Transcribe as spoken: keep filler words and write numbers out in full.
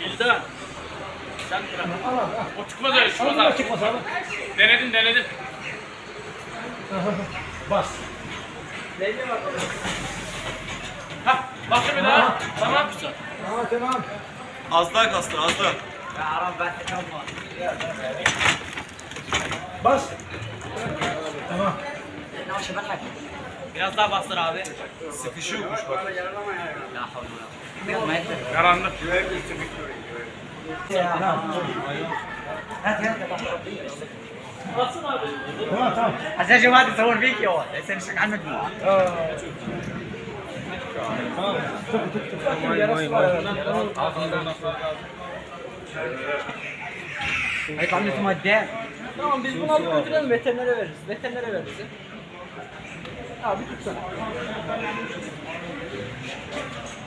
Bildan. Sen bırak. Al al. O çıkmaz öyle çıkmaz Al abi. çıkmaz abi. Denedim denedim. Bas. Hah bastır bir daha. Tamam güzel. Tamam tamam. Az daha kastır, az daha. Bas. Tamam. Biraz daha bastır abi. Sıkışıyormuş bak. Karanlık. Bassın abi. Tamam tamam. عشان جماعة تصور فيديو لسه مش عندك Tamam. Tık tık tık. Bakayım yarası var. هيطلع لي اسمه الدام Tamam biz bunu alıp götürelim veterinere veririz. Veterinere veririz. Abi tutsana.